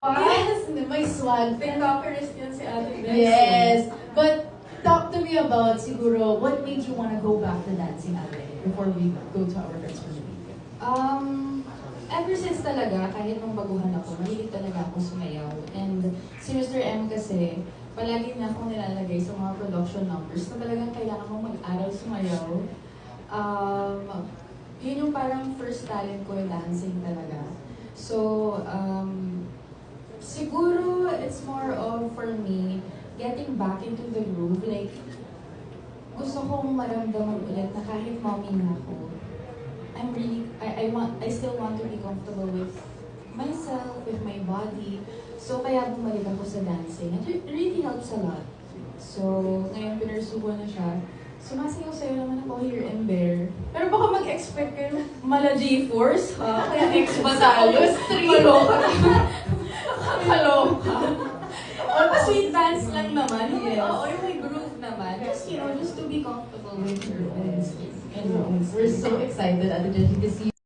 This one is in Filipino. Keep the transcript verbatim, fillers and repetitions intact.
Yes, may swag. TikTokerist yan si Ate Bess. Yes. But talk to me about siguro what made you want to go back to dancing, Ate, before we go to our first for the week. Um, ever since talaga, kahit nung baguhan ako, mahilig talaga ako sumayaw. And si Mister M kasi, palagi niya akong nilalagay sa mga production numbers na talagang kailangan mong mag-aral sumayaw. Um, yun yung parang first talent ko, dancing talaga. So, um, siguro it's more of, for me, getting back into the groove. Like, gusto kong maramdaman ulit na kahit mommy na ako, I'm really, I, I want, I still want to be comfortable with myself, with my body. So, kaya bumalik ako sa dancing. And it really helps a lot. So, ngayon pinursubo na siya. Sumasayaw sa'yo naman ako here and there. Pero baka mag-expect kayo mala G-Force, ha? Kaya X ba tayo? Maloka. Maloka. O, sweet dance lang naman. Yes. Oo, yung may groove naman. Just, you know, just to be comfortable with your own skin. And we're so excited, Ate Jessie, to see